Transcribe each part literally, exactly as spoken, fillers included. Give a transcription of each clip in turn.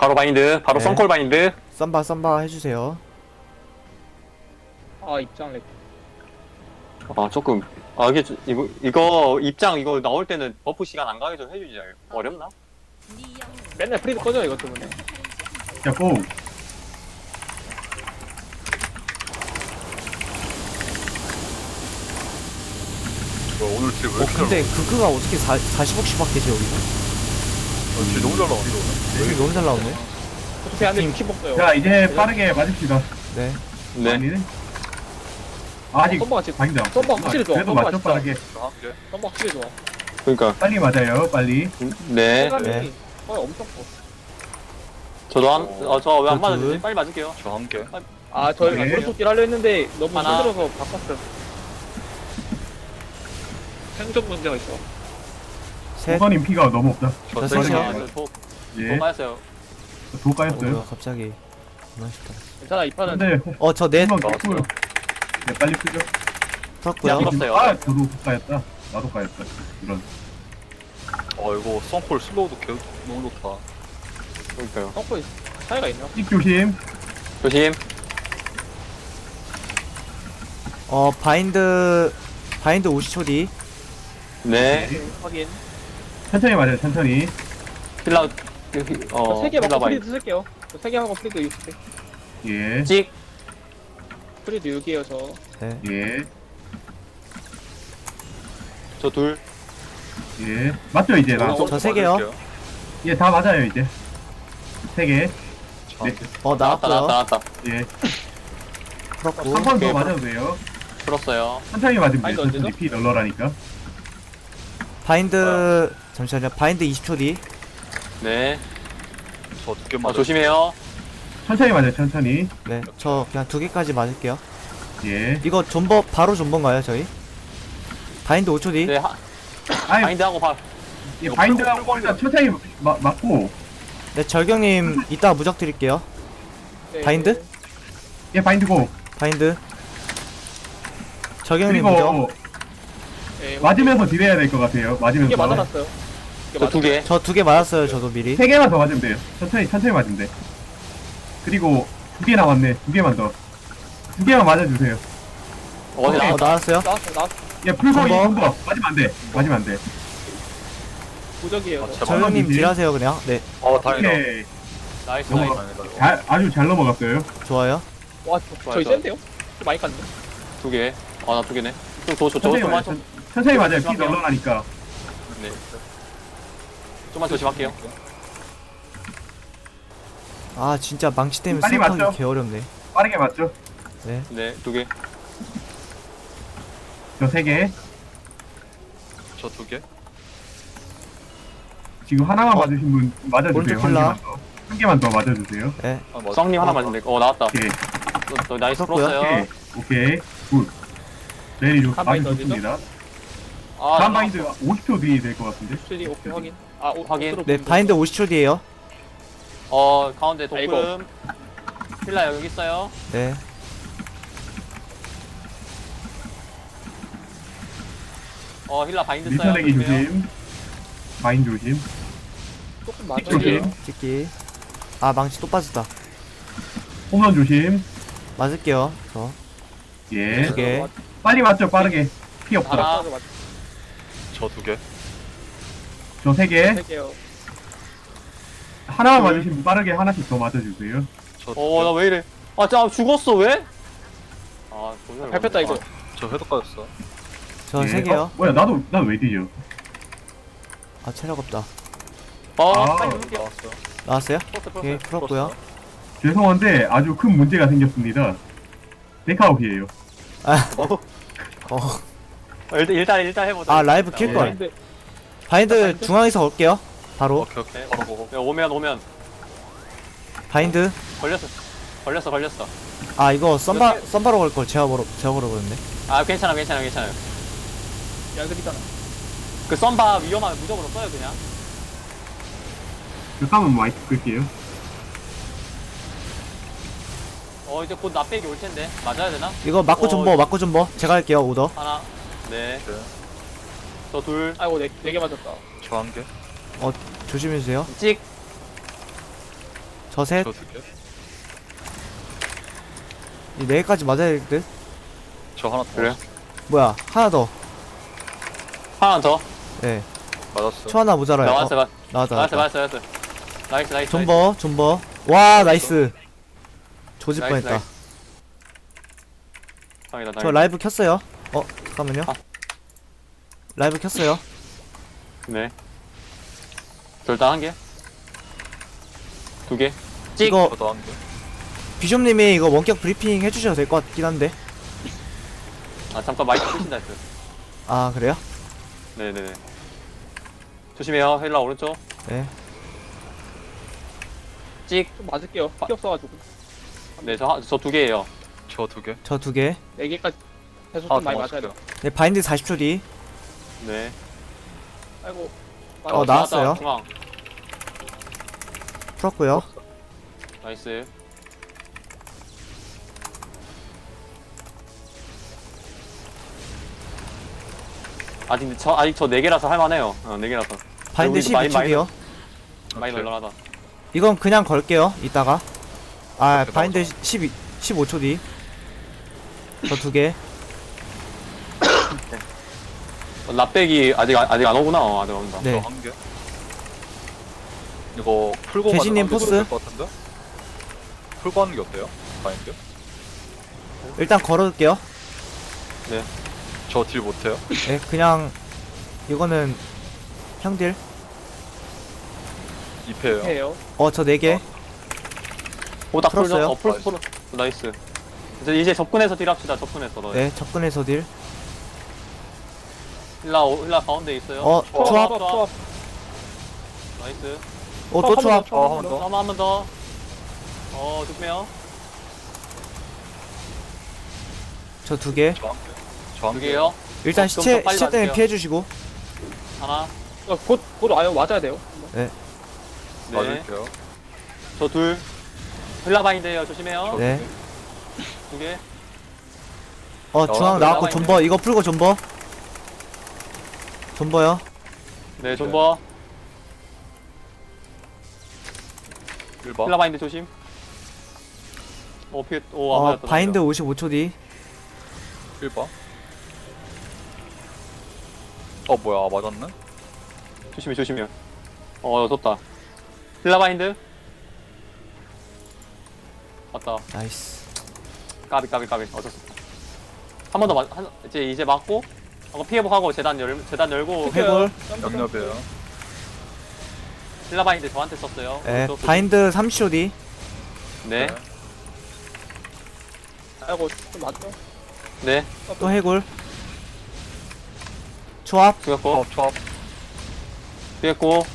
바로 바인드, 바로 네. 썬콜 바인드. 썸바 썸바 해주세요. 아 입장 렉. 아 조금 아 이게 좀- 이거 이거 입장 이거 나올 때는 버프 시간 안 가게 좀 해주지. 어렵나? 맨날 프리드 꺼져 이것 때문에. 자, 고! 뭐 오늘 딜왜 어 이렇게 잘 근데 그그가 어떻게 사, 사십억씩 받겠지 여기서? 나와? 딜 너무 잘 나왔어 오늘. 여기 너무 잘 나오네. 어차피 안돼 육십 먹어요. 자, 이제 빠르게 맞읍시다. 네. 네. 아니네? 아직 썸버가 지금 아니다. 썸버가 확실히 좋아. 그래도 썸버가 맞죠, 진짜. 빠르게. 한 개. 썸버 확실히 좋아. 그러니까 빨리 맞아요, 빨리. 네. 체감이 네. 어 엄청 커. 저도 한어저 왜 안 그 맞았지? 둘. 빨리 맞을게요. 저 한 개. 아 저희 네. 오른쪽길 하려 했는데 너무 하나. 힘들어서 바꿨어요. 생존 문제가 있어. 셋. 우선님 피가 너무 없다. 저 세 개. 셋이요. 아, 저도 예. 도 맞았어요. 도 어, 까였어요. 뭐야 갑자기. 너무 쉽다. 괜찮아 이 판은. 근데, 어저 넷 한번 나왔어요. 깼고요. 네, 빨리 풀죠. 풀었고요. 야, 풀었어요. 아, 저도 까였다. 나도 까였다. 이런. 어 이거 썬콜 슬로우도 개 너무 좋다. 그러니까요. 펑크 차이가 있나? 찍 조심. 조심. 어 바인드 바인드 오십 초 뒤. 네. 확인. 천천히 맞아요, 천천히. 힐라 어 세개 힐라 먹고 바인드. 프리드 쓸게요. 세 개 하고 프리드 육십 개. 예, 찍. 프리드 육이에요 저. 네. 예, 저 둘. 예. 맞죠, 이제 나? 저 세 개요. 예, 다 맞아요, 이제. 세 개. 자, 네. 어 나왔다 나왔다 나왔고요. 나왔다. 예. 풀었고. 한 번 더 오케이. 맞아도 돼요. 풀었어요. 천천히 맞으면 아니, 돼요. 언제죠? 천천히 피 널널하니까. 바인드 잠시만요. 바인드 이십 초 뒤. 네. 저 두 개 아, 맞아. 조심해요. 천천히 맞아요, 천천히. 네. 저 그냥 두 개까지 맞을게요. 예. 이거 존버 바로 존버인가요 저희? 바인드 오 초 뒤. 네. 하, 아이, 바인드 하고 바. 예, 바인드하고 일단 천천히 마, 맞고. 네 절경님 이따 무적 드릴게요. 네. 바인드? 예, 바인드고. 바인드. 절경님 무적. 그리고 네, 맞으면서 딜해야 될 것 같아요. 두개 맞으면서. 맞아놨어요. 저 두 개. 저 두 개 맞았어요 저도 미리. 세 개만 더 맞으면 돼요. 천천히, 천천히 맞으면 돼. 그리고 두 개 남았네. 두 개만 더. 두 개만 맞아주세요. 어디 어 나왔다. 나왔어요? 나왔어 나왔어. 예, 풀고 한 번. 이거 맞으면 안 돼. 맞으면 안 돼. 무적이에요. 아, 저. 제발. 절경님 딜. 딜하세요 그냥. 네 어 다행이다. 오케이. 나이스 넘어가. 나이스. 다행이다. 잘, 아주 잘 넘어갔어요. 좋아요. 와 저- 저희 좋아요. 센데요? 좀 많이 깠네. 두 개. 아 나 두 개네. 좀더저 천천히 좀만 맞아요. 좀. 천- 천천히 맞아요. 피 조심할게요. 널널하니까. 네. 좀만 조심할게요. 아 진짜 망치 때문에 빨리 생각하기 맞죠? 개 어렵네. 빠르게 맞죠? 네. 네, 두 개. 저 세 개. 저 두 개. 지금 하나만 어. 맞으신 분 맞아주세요. 오른쪽 한 킬라. 개만 더. 한 개만 더 맞아주세요. 네. 아 맞아. 썩님 하나 맞는데. 어 나왔다. 오케이. 또, 또 나이스 풀었고요. 풀었어요. 오케이. 오케이. 굿. 내리 좋, 한 아주 바인드 좋습니다. 아 다음 바인드 오십 초 뒤에 될 것 같은데. 쓰리 오케이 확인. 아 오, 확인. 오스로 네 보는 바인드 오십 초 뒤에요. 어 가운데 아이고. 도금. 힐라 여기 있어요. 네. 어 힐라 바인드 써요. 밀쳐내기 조심해요. 조심. 바인드 조심. 거. 조금 맞아. 조심. 찍기. 아 망치 또 빠졌다. 홈런 조심. 맞을게요. 저. 예. 두 개. 빨리 맞죠, 빠르게. 피 없다. 하나. 저 두 개. 저 세 개. 할게요. 하나만 둘. 맞으시면 빠르게 하나씩 더 맞아주세요. 저 두 개. 어 나 왜 이래? 아 짜 죽었어 왜? 아 도저히 밟혔다 이거. 저 회도 까졌어. 저 예. 세 개요. 어, 뭐야, 나도, 난 왜 뒤져? 아 체력 없다. 어 아, 빨리 누를게요. 나왔어. 나왔어요? 풀었어 오케이 풀었어. 풀었고요. 죄송한데 아주 큰 문제가 생겼습니다. 데카옵이에요. 어. 어, 일단 일단 일단 해보자. 아, 라이브 킬 걸. 바인드 바인드 중앙에서 올게요. 바로. 오케이 오케이. 네. 바로 보고. 네, 오면 오면 바인드. 걸렸어. 걸렸어 걸렸어. 아 이거 썸바 썸바로 걸 걸 제가 걸어 제가 걸어 버렸네. 아 괜찮아 괜찮아 괜찮아요. 야그리잖아. 그 썸바 위험하면 무적으로 써요 그냥. 잠깐만 마이크 끌게요. 어 이제 곧 납백이 올 텐데 맞아야 되나? 이거 맞고 어, 존버 맞고 존버 제가 할게요 오더. 하나. 네. 네. 저 둘. 아이고 네네 개 맞았다. 저 한 개. 조심해 주세요. 찍. 저 셋. 저 두 개. 이 네 개까지 맞아야 될 듯. 저 하나 더. 그래요? 뭐야, 하나 더. 하나 더. 네. 맞았어. 초 하나 모자라요. 나왔어, 어, 맞- 나왔다, 나왔어, 나왔다. 나왔어, 나왔어. 나이스, 나이스. 존버, 존버. 와, 나이스. 조질 나이스, 뻔했다. 나이스. 다행이다, 저 다행이다. 라이브 켰어요. 어, 잠깐만요. 아. 라이브 켰어요. 네. 절단 한 개. 두 개. 찍. 이거 저도 한 개. 비숍님이 이거 원격 브리핑 해주셔도 될 것 같긴 한데. 아, 잠깐 마이크 끄신다 했어요. 아, 그래요? 네네네. 조심해요. 헬라 오른쪽. 네. 찍. 좀 맞을게요. 피 없어가지고. 네, 저, 저 두 개예요. 저 두 개. 저 두 개. 네 개까지 계속 하나 좀 많이 더 맞아야 돼. 맞을게요. 네, 바인드 사십 초 뒤. 네. 아이고. 어, 나왔어요. 나왔다, 중앙. 풀었고요. 나이스. 아직 저 아직 저 네 개라서 할만해요. 어, 네 개라서. 바인드 우리 십이 마이- 초기요. 많이 오케이. 널널하다. 이건 그냥 걸게요. 이따가. 아, 오케이, 바인드 나오죠. 십이, 십오 초 뒤. 저 두 개. 어, 납백이 아직 안- 아직 안 오구나. 어, 아직 안 온다. 네. 저 한 개. 이거 풀고 개신님 가는 게 포스? 될것 같은데? 풀고 하는 게 어때요? 바인드? 일단 걸어둘게요. 저 딜 못해요? 네, 그냥 이거는 형딜. 이 패예요. 해요. 어, 저 네 개. 오다 풀죠. 풀었어요? 어, 풀 풀. 나이스. 이제 이제 접근해서 딜합시다. 접근해서. 너. 네, 접근해서 딜. 힐라 오- 힐라 가운데 있어요. 어, 초합, 초합. 초합, 초합. 나이스. 어, 또 초합. 어, 한번 더. 한번 한번 더. 어, 조심해요. 저 두 개. 저 한 개. 저 한 두 개. 개요. 일단 어, 그럼 시체, 더 빨리 시체 때문에 맞을게요. 피해주시고. 하나. 어, 곧, 곧 와요. 맞아야 돼요. 네. 맞을게요. 저 둘. 힐라 바인드예요. 조심해요. 네. 두 개. 어, 중앙 나왔고 올라와 존버. 이거 풀고 존버. 존버요. 네, 존버. 일 번. 힐라 바인드 조심. 오, 피, 오, 안 어, 맞았다. 바인드 오십오 초 뒤. 일 번. 어 뭐야 아, 맞았네? 조심해, 조심해. 어, 졌다. 힐라 바인드. 맞다. 나이스. 까비, 까비, 까비. 어쩔 수 없다. 한 번 더 맞, 한, 이제, 이제 맞고, 어, 피해복하고 재단 열, 재단 열고, 해골. 영접이에요. 힐라 바인드 저한테 썼어요. 네, 오른쪽 조심. 바인드 삼십 초 뒤. 네, 아이고, 좀 맞죠? 네. 또 해골. 초합. 죽였고, 초합 초합. 죽였고.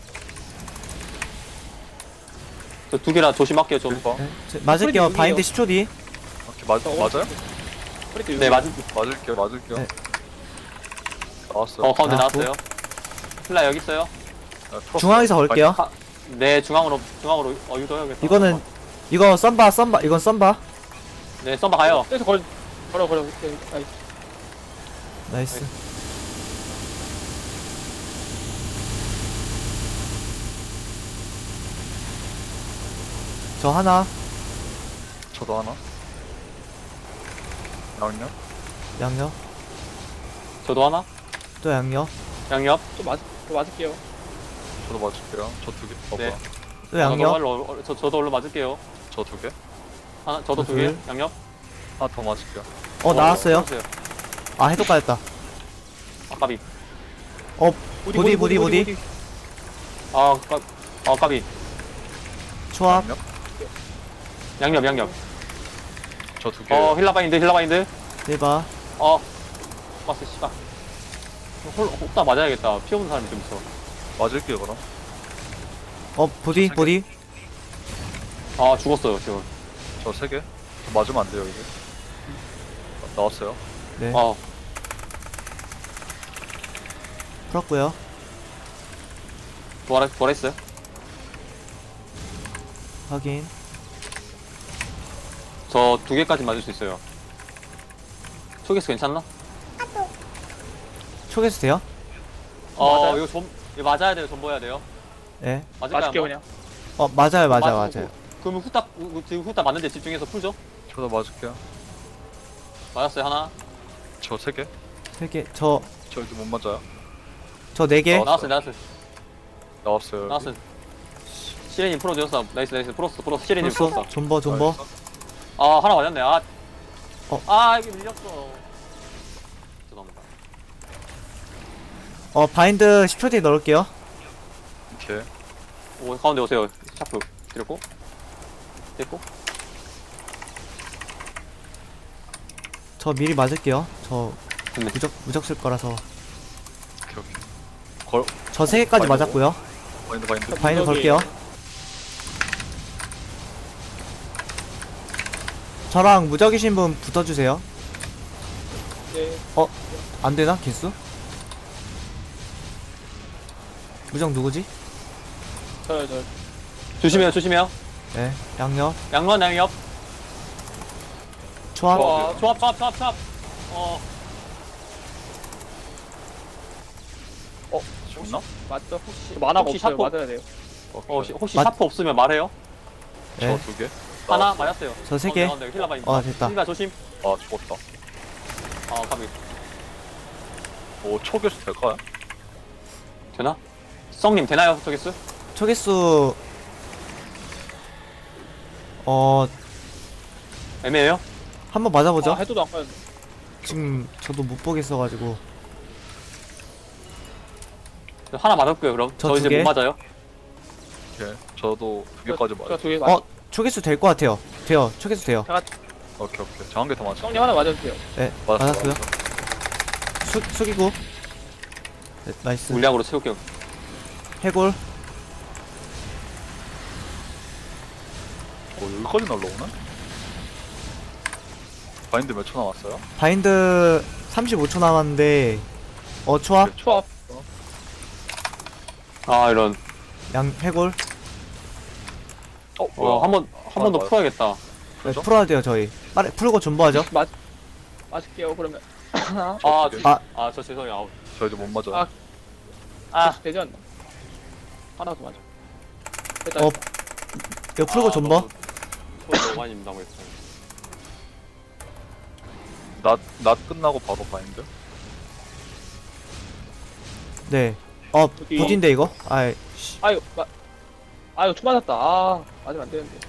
저 두 개라 조심할게요, 좀. 일 번. 네, 저- 맞을게요. 소리 바인드 여기에요. 십 초 뒤. 오케이 맞 맞아요? 프리트 네, 맞, 맞을게요 맞을게요. 네. 나왔어요. 어, 가운데 나왔고. 나왔어요. 힐라 여기 있어요. 네, 풀었어요. 중앙에서 걸게요. 하, 네, 중앙으로, 중앙으로, 어, 유도해야겠다. 이거는 이거 썬바 썬바 이건 썬바. 네, 썸바 가요. 그래서 걸, 걸어, 걸어. 네, 아이, 나이스. 저 하나. 저도 하나. 양념. 양옆. 저도 하나. 또 양옆. 양옆. 좀 맞, 좀 맞을게요. 저도 맞을게요. 저 두 개. 어 네. 뭐야? 또 저도 양옆. 얼른, 얼른, 저, 저도 얼른 맞을게요. 저 두 개. 하나, 저도 저 두 개. 둘. 양옆. 하나 더 맞을게요. 어 나왔어요. 풀어주세요. 아 해독 가였다. 아까비. 보디 보디 보디. 아, 까, 아, 까비. 초합. 양념. 양옆, 양옆. 저 두 개. 어, 힐라 바인드, 힐라 바인드. 대박. 어. 맞어, 씨발. 홀, 혹다 맞아야겠다. 피 없는 사람이 좀 있어. 맞을게요 그럼. 어 보디 보디. 아, 죽었어요, 지금. 저 세 개. 저 맞으면 안 돼요 이게. 나왔어요. 네. 어, 풀었고요. 뭐라, 뭐라 했어요? 확인. 저 두 개까지 맞을 수 있어요. 초계수 괜찮나? 초계수 돼요? 어, 맞아요? 이거 좀, 이거 맞아야 돼요, 전보해야 돼요. 네. 맞을까요? 맞을게요, 한번? 그냥. 어 맞아요 맞아요 맞- 맞아요. 그러면 후딱 우- 지금 후딱 맞는데 집중해서 풀죠. 저도 맞을게요. 맞았어요 하나. 저 세 개. 세 개. 저 저 저희도 못 맞아요. 네 개. 어, 나왔어요 나왔어요 나왔어요. 여기. 나왔어요. 시레님 풀어줬어. 나이스 나이스 풀었어 풀었어. 시레님 풀었어. 풀었어. 존버 존버. 나이스. 아 하나 맞았네. 아. 어. 아 이게 밀렸어. 죄송합니다. 어 바인드 십 초 뒤에 넣을게요. 오케이. 오 가운데 오세요. 샤프 드렸고 됐고. 저 미리 맞을게요. 저 됐네. 무적 무적 쓸 거라서. 오케이 오케이. 걸 저 세 개까지 바인드 맞았고요. 바인드 바인드. 바인드 무적이- 걸게요. 저랑 무적이신 분 붙어주세요. 네. 안 되나 개수? 무적 누구지? 저요 저. 조심해요 조심해요. 네, 양옆, 양면 양옆. 초합. 어, 조합 조합 조합 조합. 어 어 죽나? 맞죠? 혹시 만화가 혹시 없어요. 샤프? 맞아야 돼요. 어, 오케이. 혹시, 혹시 맞- 샤프 없으면 말해요. 네, 저 두 개. 하나 맞았어요. 저 세 개. 가운데, 가운데, 힐라 바인. 어, 됐다. 힐라 조심. 아 죽었다. 어 가비. 오 초교수 될까요? 되나? 썽님 되나요 저기스? 초개수. 어, 애매해요? 한번 맞아보죠. 아, 해도도 안 가는데. 지금 저도 못 보겠어가지고. 하나 맞았고요 그럼. 저 저, 두 이제 개. 못 맞아요. 오케이. 저도 두 개까지 맞아. 저두 개 맞. 어, 초개수 될 것 같아요. 돼요. 초개수 돼요. 오케이 오케이. 저 한 개 더 맞아. 형님 하나 맞아주세요. 네, 맞았어, 맞았고요. 맞았어. 수, 숙이고. 네, 나이스. 물량으로 채울게요. 해골. 오 여기까지 날라오네? 바인드 몇 초 남았어요? 바인드 삼십오 초 남았는데. 어, 초합. 초합. 아 이런. 양, 해골. 어 어, 한번 한 번 더 맞아요. 풀어야겠다. 네, 그죠? 풀어야 돼요, 저희. 빠르, 풀고 존버하죠. 맞. 맞을게요. 그러면. 하나. 아, 두 개. 저, 아. 아, 저 죄송해요. 아우. 저희도 못 맞아요. 아. 아, 되지 않나? 하나 더 맞아. 됐다. 어, 됐다. 이거 풀고 아, 존버. 너무- 너무 너무 많이 민당했어요. 낮, 낮 끝나고 바로 바인드? 네. 어, 여기. 부딘데, 이거? 아이, 씨. 아유, 마. 아유, 초 맞았다. 아, 맞으면 안 되는데.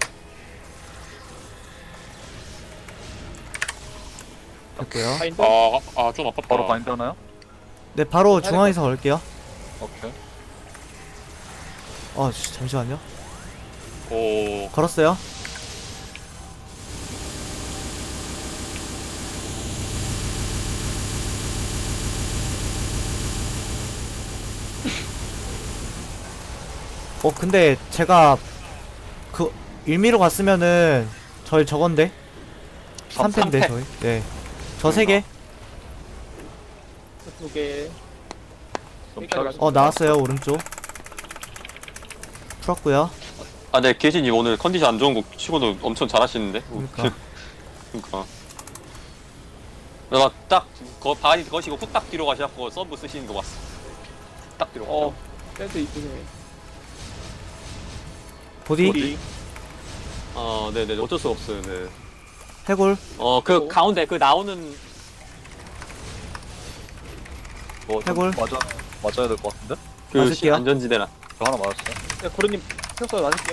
됐고요. 바인드. 아, 아, 좀 아깝다. 바로 바인드 하나요? 네, 바로 중앙에서 걸게요. 오케이. 어, 씨, 잠시만요. 오, 걸었어요. 어, 근데 제가 그 일미로 갔으면은 저희 저건데 삼 패인데 삼 패. 저희. 네. 저 세 개. 두 개. 좀 여기까지 피하겠습니다. 어, 나왔어요. 오른쪽. 풀었고요. 아, 네, 계신님 오늘 컨디션 안 좋은 거 치고도 엄청 잘하시는데. 그러니까. 그러니까. 내가 딱 거, 바디 거시고 후딱 뒤로 가셔갖고 서브 쓰시는 거 봤어. 딱 뒤로. 어, 센스 있으네. 보디, 어디? 어, 네, 네, 어쩔 수 없어요. 네. 해골. 어, 그 어. 가운데 그 나오는 뭐, 좀 해골. 맞아, 맞아야 될 것 같은데? 그 맞을게요. 시- 안전지대나. 저 하나 맞았어요. 네, 고르님 평소에 맞을게요.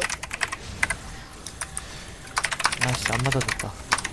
아씨, 안 맞아줬다.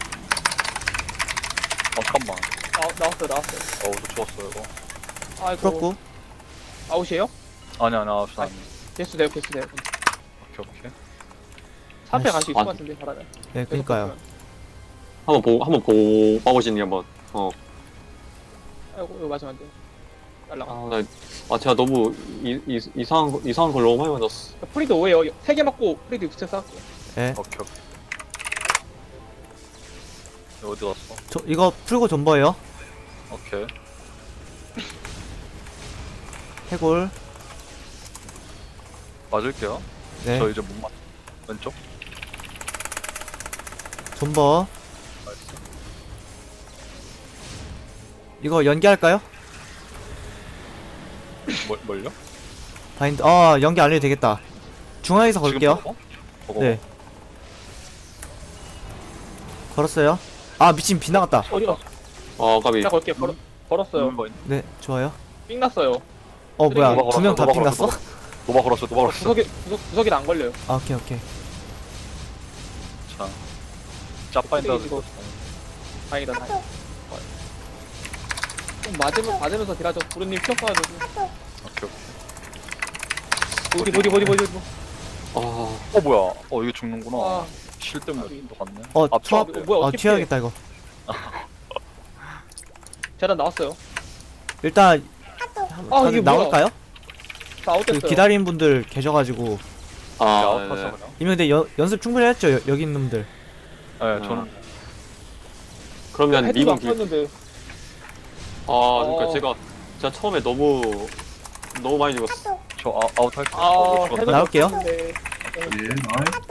어, 잠깐만. 나, 나왔어요, 나왔어요. 어우, 저 죽었어요, 이거. 아이고. 풀었고. 아웃이에요? 아니, 아니, 아웃이 아. 아니. 개수 돼요, 개수 돼요. 오케이, 오케이. 삼 패 아이씨. 갈 수 있을 아. 것 같은데, 잘하면. 네, 그니까요. 한번 보고 한번 보고 봐보시는 게 한번. 어. 아이고, 이거 맞으면 안 돼. 날라가. 아, 나, 아, 제가 너무 이, 이, 이상한 거, 이상한 걸 너무 많이 맞았어. 프리드 오예요. 세 개 맞고 프리드 육체 쌓았고. 네. 오케이, 오케이. 이거 어디 갔어? 저, 이거 풀고 존버예요. 오케이. 해골. 맞을게요. 네. 저 이제 못 맞, 왼쪽? 존버. 나이스. 이거 연기할까요? 뭘, 뭘요? 바인드. 어, 연기 안 해도 되겠다. 중앙에서 지금 걸게요. 먹어? 먹어. 네. 걸었어요. 아 미친 비 나갔다. 어디 갔어? 어 까비. 제가 걸게. 걸어, 걸었어요. 음, 뭐 있- 네 좋아요. 삥 났어요. 어 뭐야 노바 두 명 다 걸었어, 핑 노바 났어? 걸었어, 노바 걸었어, 노바 걸었어. 구석에, 구석, 구석에는 안 걸려요. 아 오케이 오케이. 자, 짜파인다. 이거. 다행이다, 다행. 좀 맞으면, 맞으면서 딜하죠. 부르님 피어 써가지고. 오케이, 어디, 오케이. 어디, 어디, 어디, 어디. 아 어 뭐야? 어 이거 죽는구나. 아, 실 때문에 또 갔네. 어 아, 투합. 어, 뭐야, 아 어떻게 튀어야겠다 이거. 재단 나왔어요. 일단 아, 다들 이게 뭐야? 나올까요? 다 그 아웃됐어요. 기다리는 분들 계셔가지고 아, 아, 네. 아웃했어 그냥. 이미 근데 연, 연습 충분히 했죠 여, 여기 있는 분들. 네, 저는 그러면 헤드가 미국 안 길. 폈는데. 아 그러니까 어. 제가 제가 처음에 너무 너무 많이 죽었어. 저 아, 아웃 할게요. 아, 어, 못 헤드 죽었다. 나올게요. 폈는데. 예, 나이.